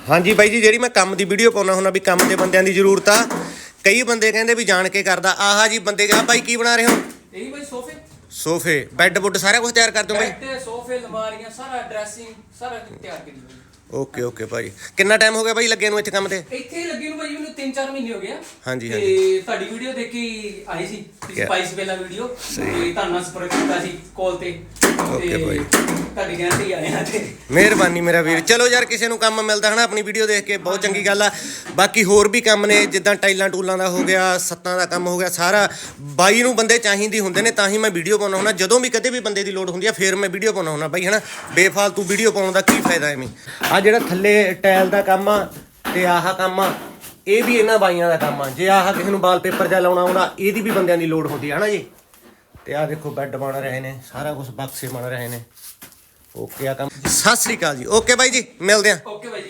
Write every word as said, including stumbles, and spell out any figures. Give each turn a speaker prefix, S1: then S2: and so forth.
S1: हाँ जी बाई जी, जी मैं काम की वीडियो पाना हुन्ना भी काम के बंदियां की जरूरत आ। कई बंदे कहते भी जान के करदा। आहा जी बंदे आ भाई की बना रहे हो?
S2: यही भाई सोफे
S1: सोफे बैड बुड सारा कुछ तैयार कर दो भाई?
S2: बेड सोफे अलमारियां सारा ड्रेसिंग सारा तैयार कर दी।
S1: ओके ओके भाई, कितना टाइम हो गया भाई लगे इत्थे काम ते?
S2: ਇੱਥੇ ਹੀ ਲੱਗੇ ਨੂੰ ਭਾਈ ਮੈਨੂੰ ਤਿੰਨ ਚਾਰ ਮਹੀਨੇ ਹੋ ਗਏ ਆ।
S1: ਹਾਂਜੀ,
S2: ਤੇ
S1: ਹਾਂਜੀ।
S2: ਤੁਹਾਡੀ ਵੀਡੀਓ ਦੇਖੀ ਆਈ ਸੀ
S1: ਕਿਆ?
S2: ਸਪਾਈਸ ਪਹਿਲਾ ਵੀਡੀਓ
S1: ਸਹੀ।
S2: ਤੇ ਤੁਹਾਨੂੰ ਸੰਪਰਕ ਕੀਤਾ ਸੀ ਕਾਲ ਤੇ
S1: ਓਕੇ ਭਾਈ।
S2: ਤੁਹਾਡੀ ਕਹਿੰਦੇ ਹੀ ਆਏ ਆ ਤੇ
S1: ਮਿਹਰਬਾਨੀ ਮੇਰਾ ਵੀਰ। ਚਲੋ ਯਾਰ ਕਿਸੇ ਨੂੰ ਕੰਮ ਮਿਲਦਾ ਹੈ ਨਾ ਆਪਣੀ ਵੀਡੀਓ ਦੇਖ ਕੇ ਬਹੁਤ ਚੰਗੀ ਗੱਲ ਆ। ਬਾਕੀ ਹੋਰ ਵੀ ਕੰਮ ਨੇ ਜਿੱਦਾਂ ਟਾਈਲਾਂ ਟੂਲਾਂ ਦਾ ਹੋ ਗਿਆ, ਸੱਤਾਂ ਦਾ ਕੰਮ ਹੋ ਗਿਆ, ਸਾਰਾ ਬਾਈ ਨੂੰ ਬੰਦੇ ਚਾਹੀਦੇ ਹੁੰਦੇ ਨੇ ਤਾਂ ਹੀ ਮੈਂ ਵੀਡੀਓ ਪਾਉਣਾ ਹੁੰਦਾ। ਜਦੋਂ ਵੀ ਕਦੇ ਵੀ ਬੰਦੇ ਦੀ ਲੋੜ ਹੁੰਦੀ ਆ ਫਿਰ ਮੈਂ ਵੀਡੀਓ ਪਾਉਣਾ ਹੁੰਦਾ ਬਾਈ, ਹੈ ਨਾ। ਬੇਫਾਲਤੂ ਵੀਡੀਓ ਪਾਉਣ ਦਾ ਕੀ ਫਾਇਦਾ ਐਵੇਂ। ਆ ਜਿਹੜਾ ਥੱਲੇ ਟਾਇਲ ਦਾ ਕੰਮ ਆ ਤੇ ਆਹ ਕੰਮ ਆ ਇਹ ਵੀ ਇਹਨਾਂ ਬਾਈਆਂ ਦਾ ਕੰਮ ਆ। ਜੇ ਆਹ ਕਿਸੇ ਨੂੰ ਵਾਲਪੇਪਰ ਜਾਂ ਲਾਉਣਾ ਆਉਂਦਾ ਇਹਦੀ ਵੀ ਬੰਦਿਆਂ ਦੀ ਲੋੜ ਹੁੰਦੀ ਹੈ ਨਾ ਜੀ। ਤੇ ਆਹ ਦੇਖੋ ਬੈੱਡ ਬਣ ਰਹੇ ਨੇ, ਸਾਰਾ ਕੁਝ ਬਕਸੇ ਬਣ ਰਹੇ ਨੇ। ਓਕੇ ਆ ਕੰਮ। ਸਤਿ ਸ੍ਰੀ ਅਕਾਲ ਜੀ। ਓਕੇ ਬਾਈ ਜੀ, ਮਿਲਦੇ ਆ।
S2: ਓਕੇ ਭਾਈ।